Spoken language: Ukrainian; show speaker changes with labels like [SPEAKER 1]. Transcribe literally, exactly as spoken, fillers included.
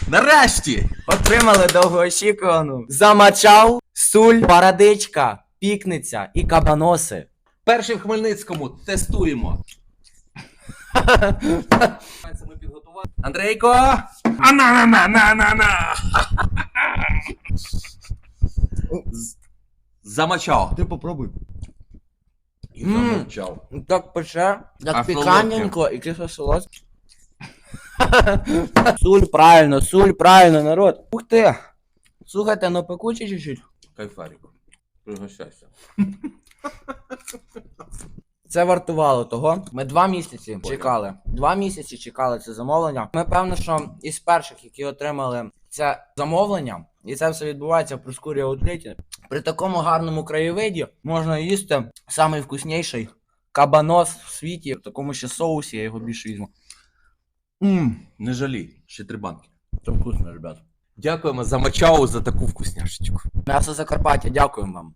[SPEAKER 1] Нарешті!
[SPEAKER 2] Отримали довгоочікувану замачав, суль, парадичка, пікниця і кабаноси.
[SPEAKER 1] Перший в Хмельницькому тестуємо. Це ми підготували. Андрейко! Ана-на-на-на-на-на! З- Замочав.
[SPEAKER 3] Ти попробуй.
[SPEAKER 1] І
[SPEAKER 2] М.
[SPEAKER 1] замовчав.
[SPEAKER 2] Так пече,
[SPEAKER 1] А
[SPEAKER 2] так
[SPEAKER 1] солодке?
[SPEAKER 2] піканенько і кисло солодке. Суль правильно, суль правильно, народ. Ух ти. Слухайте, ну пекуче чуть-чуть.
[SPEAKER 1] Кайфарик. Пригощайся.
[SPEAKER 2] Це вартувало того. Ми два місяці чекали. Два місяці чекали це замовлення. Ми певно, що із перших, які отримали це замовлення, і це все відбувається в Проскурі Аутлеті. При такому гарному краєвиді можна їсти найвкусніший кабанос в світі. В такому ще соусі, я його більше візьму.
[SPEAKER 1] Ммм, не жалій. Ще три банки.
[SPEAKER 2] Це вкусно, ребят.
[SPEAKER 1] Дякуємо за мачау за таку вкусняшечку.
[SPEAKER 2] М'ясо Закарпаття, дякуємо вам.